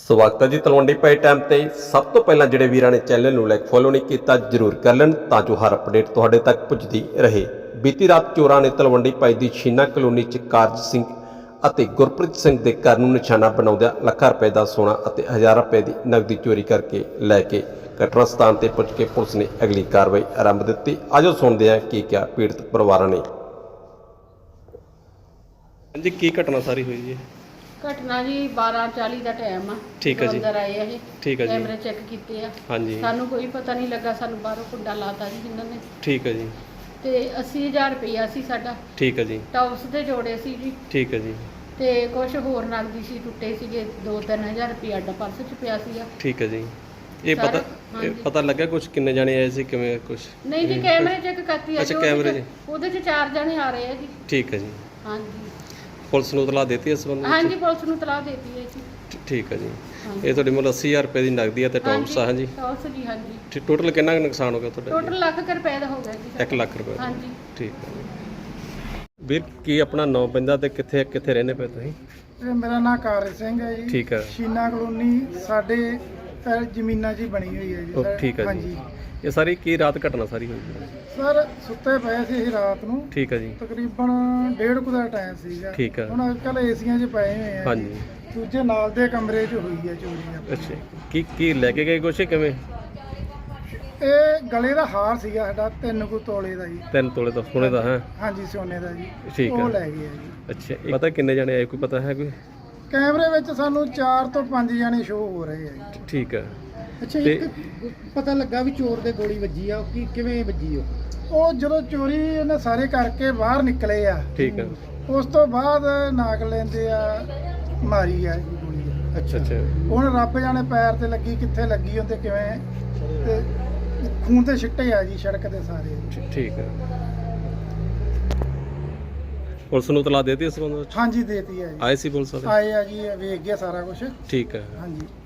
ਸਵਾਗਤ ਹੈ ਜੀ ਤਲਵੰਡੀ ਪਾਈ ਟਾਈਮ ਤੇ। ਸਭ ਤੋਂ ਪਹਿਲਾਂ ਜਿਹੜੇ ਵੀਰਾਂ ਨੇ ਚੈਨਲ ਨੂੰ ਲਾਈਕ ਫੋਲੋ ਨਹੀਂ ਕੀਤਾ ਜ਼ਰੂਰ ਕਰ ਲੈਣ ਤਾਂ ਜੋ ਹਰ ਅਪਡੇਟ ਤੁਹਾਡੇ ਤੱਕ ਪੁੱਜਦੀ ਰਹੇ। ਬੀਤੀ ਰਾਤ ਚੋਰਾਂ ਨੇ ਤਲਵੰਡੀ ਪਾਈ ਦੀ ਸ਼ੀਨਾ ਕਲੋਨੀ 'ਚ ਕਾਰਜ ਸਿੰਘ ਅਤੇ ਗੁਰਪ੍ਰੀਤ ਸਿੰਘ ਦੇ ਘਰ ਨੂੰ ਨਿਸ਼ਾਨਾ ਬਣਾਉਂਦਿਆਂ ਲੱਖਾਂ ਰੁਪਏ ਦਾ ਸੋਨਾ ਅਤੇ ਹਜ਼ਾਰਾਂ ਰੁਪਏ ਦੀ ਨਕਦੀ ਚੋਰੀ ਕਰਕੇ ਲੈ ਕੇ ਘਟਨਾ ਸਥਾਨ ਤੇ ਪਹੁੰਚ ਕੇ ਪੁਲਿਸ ਨੇ ਅਗਲੀ ਕਾਰਵਾਈ ਆਰੰਭ ਦਿੱਤੀ। ਆਜੋ ਸੁਣਦੇ ਹਾਂ ਕੀ ਕਿਹਾ ਪੀੜਤ ਪਰਿਵਾਰਾਂ ਨੇ। जी की घटना सारी हुई जी? ਘਟਨਾ ਜੀ 12:40 ਦਾ ਟਾਈਮ ਆ। ਠੀਕ ਹੈ ਜੀ। ਅੰਦਰ ਆਏ ਆ ਇਹ, ਠੀਕ ਹੈ ਜੀ। ਕੈਮਰੇ ਚੈੱਕ ਕੀਤੇ ਆ। ਹਾਂਜੀ ਸਾਨੂੰ ਕੋਈ ਪਤਾ ਨਹੀਂ ਲੱਗਾ, ਸਾਨੂੰ ਬਾਹਰੋਂ ਕੁੰਡਾ ਲਾਤਾ ਜੀ ਜਿਨ੍ਹਾਂ ਨੇ। ठीक है जी। ਤੇ 80000 ਰੁਪਇਆ ਸੀ ਸਾਡਾ, ठीक है जी। ਟੌਪਸ ਤੇ ਜੋੜੇ ਸੀ ਜੀ, ठीक है जी। ਤੇ ਕੁਝ ਹੋਰ ਨਗਦੀ ਸੀ, ਟੁੱਟੇ ਸੀਗੇ 2-3000 ਰੁਪਇਆ ਸਾਡਾ ਪਰਸ 'ਚ ਪਿਆ ਸੀਗਾ। ठीक है जी। ये सारा- पता हाँ जी। पता लगा कुछ किन्ने जाने आए सी किवें कुछ? ਨਹੀਂ ਜੀ, ਕੈਮਰੇ ਚੈੱਕ ਕਰਤੀ ਆ। अच्छा, ਜੀ, कैमरे ਉਹਦੇ 'ਚ 4 ਜਣੇ ਆ ਰਹੇ ਆ ਜੀ। ठीक है जी। ਹਾਂਜੀ पुलिस ਨੂੰ ਇਤਲਾਹ ਦਿੱਤੀ ਇਸ ਸੰਬੰਧ ਹਾਂਜੀ, ਪੁਲਿਸ ਨੂੰ ਤਲਾਹ ਦੇਤੀ ਹੈ ਜੀ। ठीक है जी। ਹਾਂਜੀ। ਇਹ ਤੁਹਾਡੇ ਮੁੱਲ 80000 ਰੁਪਏ ਦੀ ਨਗਦੀ ਹੈ ਤੇ ਟੌਪਸ ਆ। ਹਾਂਜੀ ਟੌਪਸ ਜੀ, ਹਾਂਜੀ। ਟੋਟਲ ਕਿੰਨਾ ਕੁ ਨੁਕਸਾਨ ਹੋ ਗਿਆ ਤੁਹਾਡਾ? ਟੋਟਲ ਲੱਖ ਕੁ ਰੁਪਏ ਦਾ ਹੋ ਗਿਆ ਜੀ। 1 ਲੱਖ ਰੁਪਏ। ਹਾਂਜੀ। ਠੀਕ ਹੈ ਜੀ। ਵੀਰ ਕੀ ਆਪਣਾ ਨਾਂ ਪੈਂਦਾ ਤੇ ਕਿੱਥੇ ਕਿੱਥੇ ਰਹਿੰਦੇ ਪਏ ਤੁਸੀਂ? ਇਹ ਮੇਰਾ ਨਾਮ ਕਾਰਜ ਸਿੰਘ ਹੈ ਜੀ। ਠੀਕ ਹੈ। ਸ਼ੀਨਾ ਕਲੋਨੀ ਸਾਡੇ ਜ਼ਮੀਨਾਂ 'ਚ ਹੀ ਬਣੀ ਹੋਈ ਹੈ ਜੀ। ਉਹ ਠੀਕ ਹੈ ਜੀ। ਹਾਂਜੀ ਇਹ ਸਾਰੀ ਕੀ ਰਾਤ ਘਟਨਾ ਸਾਰੀ ਹੋਈ ਜੀ? ਸਰ, ਸੁੱਤੇ ਪਏ ਸੀ ਅਸੀਂ ਰਾਤ ਨੂੰ, ਠੀਕ ਹੈ ਜੀ। ਤਕਰੀਬਨ 1:30 ਕੁ ਦਾ ਟਾਈਮ ਸੀਗਾ। ਠੀਕ ਹੈ। ਹੁਣ ਅੱਜ ਕੱਲ੍ਹ ਏਸੀਆਂ 'ਚ ਪਏ ਹੋਏ ਆ। ਹਾਂਜੀ। ਦੂਜੇ ਨਾਲ ਦੇ ਕਮਰੇ 'ਚ ਹੋਈ ਹੈ ਚੋਰੀ ਆਪਣੀ। ਅੱਛਾ, ਕੀ ਲੈ ਕੇ ਗਏ ਕੁਛ ਕਿਵੇਂ? ਇਹ ਗਲੇ ਦਾ ਹਾਰ ਸੀਗਾ ਸਾਡਾ 3 ਕੁ ਤੋਲੇ ਦਾ ਜੀ। 3 ਤੋਲੇ ਦਾ ਸੋਨੇ ਦਾ ਹੈ? ਹਾਂਜੀ, ਸੋਨੇ ਦਾ ਜੀ। ਠੀਕ ਹੈ। ਉਹ ਲੈ ਗਏ ਆ ਜੀ। ਅੱਛਾ, ਇਹ ਪਤਾ ਕਿੰਨੇ ਜਣੇ ਆਏ, ਕੋਈ ਪਤਾ ਹੈ ਕੋਈ? ਕੈਮਰੇ ਵਿੱਚ ਸਾਨੂੰ 4 ਤੋਂ 5 ਜਣੇ ਸ਼ੋਅ ਹੋ ਰਹੇ ਆ ਜੀ। ਠੀਕ ਹੈ। ਅੱਛਾ, ਇੱਕ ਪਤਾ ਲੱਗਾ ਵੀ ਚੋਰ ਦੇ ਗੋਲੀ ਵੱਜੀ ਆ, ਉਹ ਕਿਵੇਂ ਵੱਜੀ ਉਹ ਜਦੋਂ ਚੋਰੀ ਇਹਨੇ ਸਾਰੇ ਕਰਕੇ ਬਾਹਰ ਨਿਕਲੇ ਆ, ਠੀਕ ਹੈ। ਉਸ ਤੋਂ ਬਾਅਦ ਨਾਕ ਲੈਂਦੇ ਆ ਮਾਰੀ ਆ ਜੀ ਗੋਲੀ। ਅੱਛਾ ਅੱਛਾ। ਹੁਣ ਰੱਬ ਜਾਣੇ ਪੈਰ ਤੇ ਲੱਗੀ ਕਿੱਥੇ ਲੱਗੀ ਉਹਦੇ ਕਿਵੇਂ, ਤੇ ਖੂਨ ਤੇ ਛਿੱਟੇ ਆ ਜੀ ਸੜਕ ਤੇ ਸਾਰੇ। ਠੀਕ ਹੈ। ਪੁਲਿਸ ਨੂੰ ਤਲਾਹ ਦੇਤੀ ਇਸ ਸੰਬੰਧ ਵਿੱਚ? ਹਾਂਜੀ, ਦੇਤੀ ਆ ਜੀ। ਆਏ ਸੀ ਪੁਲਿਸ ਵਾਲੇ? ਆਏ ਆ ਜੀ, ਵੇਖ ਗਿਆ ਸਾਰਾ ਕੁਝ। ਠੀਕ ਹੈ। ਹਾਂਜੀ।